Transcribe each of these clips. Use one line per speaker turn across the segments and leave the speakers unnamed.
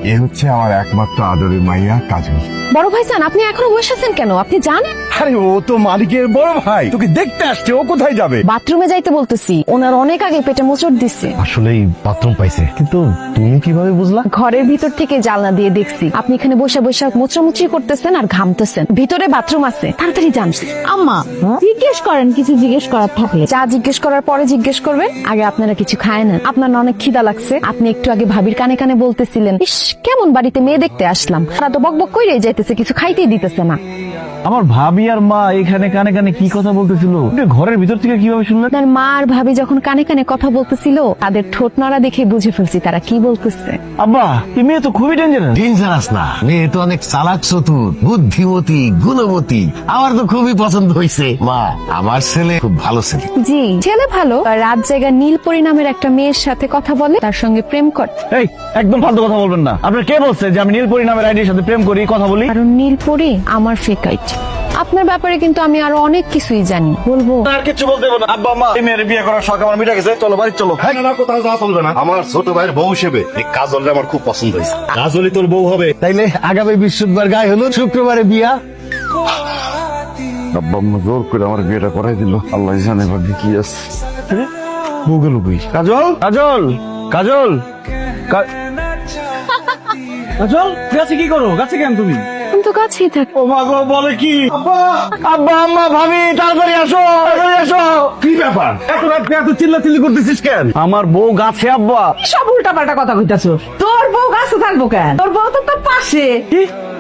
এ হচ্ছে আমার একমাত্র আদরের মাইয়া কাজল।
বড় ভাইজান, আপনি এখনো বসে আছেন কেন? আপনি যান।
আরে ও তো মালিকের বড় ভাই, তোকে দেখতে আসছে। ও কোথায় যাবে?
বাথরুমে যাইতে বলতেছি, ওনার অনেক আগে পেটে মোচড় দিচ্ছে।
আসলেই বাথরুম পাইছে, কিন্তু তুমি কিভাবে বুঝলা?
ঘরের ভিতর থেকে জানলা দিয়ে দেখছি আপনি এখানে বসে বসে মোচড়ামুচড়ি করতেছেন আর ঘামতেছেন। ভিতরে বাথরুম আছে, তাড়াতাড়ি যান।
আম্মা জিজ্ঞেস করেন, কিছু জিজ্ঞেস করার থাকলে।
যা জিজ্ঞেস করার পরে জিজ্ঞেস করবেন, আগে আপনারা কিছু খায় না। আপনার না অনেক খিদা লাগছে? আপনি একটু আগে ভাবির কানে কানে বলতেছিলেন, ইস কেমন বাড়িতে মেয়ে দেখতে আসলাম, তারা তো বকবক কইরে যাইতেছে, কিছু খাইতেই দিতেছে না।
আমার ভাবি আর মা এখানে কানে কানে কি কথা বলতেছিল, ঘরের ভিতর থেকে কিভাবে শুনলেন?
আপনার মা আর ভাবি যখন কানে কানে কথা বলতেছিল, তাদের ঠোঁট নড়া দেখে বুঝে ফেলছি তারা কি বলতেছে।
আব্বা, এই মেয়ে তো খুবই ডেঞ্জারাস।
ডেঞ্জারাস না, মেয়ে তো অনেক চালাক, চতুর, বুদ্ধিমতী, গুণবতী। আমার তো খুবই পছন্দ হয়েছে। মা, আমার ছেলে খুব ভালো ছেলে।
জি, ছেলে ভালো। রাত জায়গা নীলপরি নামের একটা মেয়ের সাথে কথা বলে, তার সঙ্গে প্রেম করে।
এই একদম ফালতু কথা বলবেন না। আপনার কে বলছে যে আমি নীলপরি নামের আইডির সাথে প্রেম করি, কথা বলি?
কারণ নীলপরি আমার ফেক আইডি। আপনার ব্যাপারে কিন্তু আমি আরো অনেক কিছুই জানি, বলবো।
আর কিছু বলতে হবে না। আব্বা মা, এই মেয়ের বিয়ে করার শখ আমার মিটে গেছে, চলো বাড়ি চলো।
না না, কোথাও যাওয়া চলবে না। আমার ছোট ভাইয়ের বউ হিসেবে এই কাজলটা আমার খুব পছন্দ হয়েছে। কাজলই তোর বউ হবে।
তাইলে আগামী বৃহস্পতিবার গায়ে হলো, শুক্রবারে বিয়া।
আব্বা আম্মা জোর করে আমার বিয়েটা করাই দিল। আল্লাহ জানে ভাগ্যে কি আছে।
বউ গেল কই? কাজল, কাজল, কাজল, কাজল, গাছে কি করো? গাছে কেন তুমি?
আমি তো কাছেই থাকি।
ও মা গো, বলে কি? আব্বা, আব্বা আম্মা ভাবি, তাড়াতাড়ি আসো, তাড়াতাড়ি আসো।
কি ব্যাপার?
এত রাতে এত চিল্লাচিল্লি করতেছিস কেন? আমার বউ গাছে আব্বা।
সব উল্টা পাল্টা কথা কইতাছো। তোর বউ গাছে থাকবো কেন? তোর বউ তো তোর পাশে।
কি?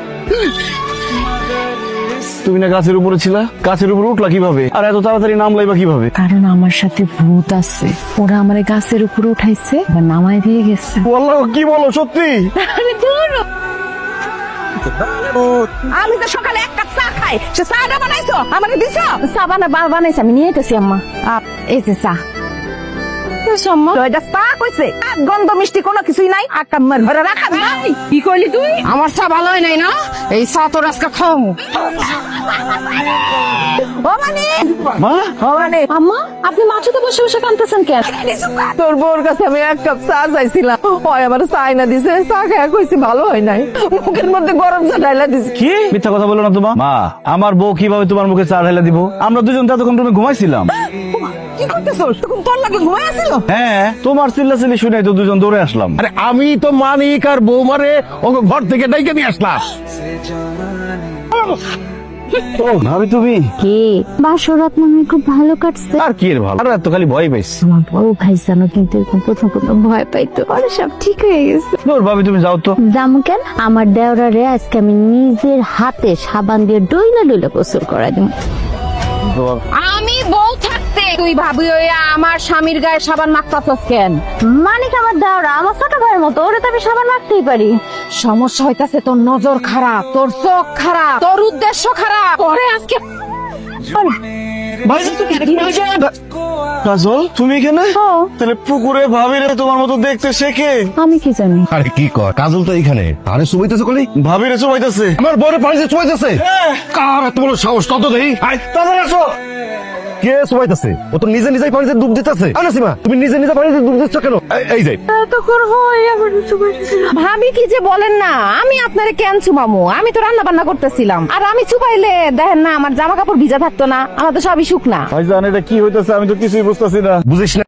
তুমি না গাছের উপরে ছিলা? গাছের উপরে উঠলা কিভাবে? আর এত তাড়াতাড়ি নামলাই বা কিভাবে?
কারণ আমার সাথে ভূত আছে, ওরা আমার গাছের উপরে উঠাইছে বা নামাই দিয়ে গেছে।
আল্লাহ, কি বলো সত্যি?
আরে দূর।
আমি তো সকালে এক কাপ চা খাই, সে চাটা বানাইছো আমাকে দিছো?
চা বানাইছে, আমি নিয়ে যেতেছি আম্মা। এই যে চা। আম্মা,
তো এটা চা কইছে, আর গন্ধ মিষ্টি কোনো কিছুই নাই। আকাম্মার ঘরে রাখা নাই। কি কইলি তুই?
আমার চা ভালো হয় নাই না? এই চা তোর আজকে খাওয়াবো।
ও মানে
মা,
ও মানে
আম্মা, আপনি মাছুতে বসে বসে কাঁদতেছেন কেন?
তোর বউর কাছে আমি এক কাপ চা চাইছিলাম, ওই আমার চাই না দিছে। চা খাই কইছি ভালো হয় নাই, মুখের মধ্যে গরম চা ঢাইলা দিছে।
কি মিথ্যা কথা বলো না তোমার। মা, আমার বউ কিভাবে তোমার মুখে চা ঢাইলা দিব? আমরা দুজন তো এতক্ষণ রুমে ঘুমাইছিলাম।
কি করতেছো? তখন তোর লাগে ঘুমাই আছিল?
হ্যাঁ, তোমার চিল্লাচিল্লি শুনে তো দুজন দৌড়ে আসলাম।
আরে আমি তো মানিক আর বৌমারে ওকে ঘর থেকে ডাইকে নিয়ে আসলাম।
ও ভাবি, তুমি?
কে বাসরাত মনে খুব ভালো কাটছে।
আর কি এর ভালো? আর এত খালি ভয় পাইছি।
আমার বড় ভাই জানো কিন্তু এরকম প্রথম প্রথম ভয় পাইতো, পরে সব ঠিক হয়ে গেছে।
দূর ভাবি, তুমি যাও তো।
জামু কেন? আমার দেওরারে আজকে আমি নিজের হাতে সাবান দিয়ে ডইলা ডইলা গোসল করা দিব।
আমি বউ থাকতে তুই ভাবি ওই আমার স্বামীর গায়ে সাবান মাখতাছস কেন?
মানে কি আমার দেওরা আমার ছোট ভাইয়ের মতো, ওরে তো আমি সাবান মাখতেই পারি।
সমস্যা হইতাছে তোর নজর খারাপ, তোর চোখ খারাপ, তোর উদ্দেশ্য খারাপ। পরে আজকে
কাজল, তুমি এখানে? তাহলে পুকুরে ভাবি রে তোমার মতো দেখতে শেখে।
আমি কি জানি?
আরে কি কর, কাজল তো এইখানে। আরে সুবাইতেছে কলি,
ভাবি রে চুমাইতেছে।
আমার বউরে পানিতে সুবাইতেছে। কার এত বড় সাহস? তত দেই। আয় তাড়াতাড়ি আসো। কে সুবাইতেছে? ও তো নিজে নিজেই পানিতে ডুব দিতেছে। আনাসিমা, তুমি নিজে নিজে পানিতে ডুব দিচ্ছ কেন? এই যে
তখন হয় আবার
ভাবি কি যে বলেন না, আমি আপনারে কেন চুমামু? আমি তো রান্না বান্না করতেছিলাম, আর আমি চুপাইলে দেখেন না আমার জামা কাপড় ভিজা থাকতো না, আমার তো সবই শুকনা।
ভাইজান, এটা কি হইতেছে? আমি তো কিছুই বুঝতেছি না।
বুঝিস না?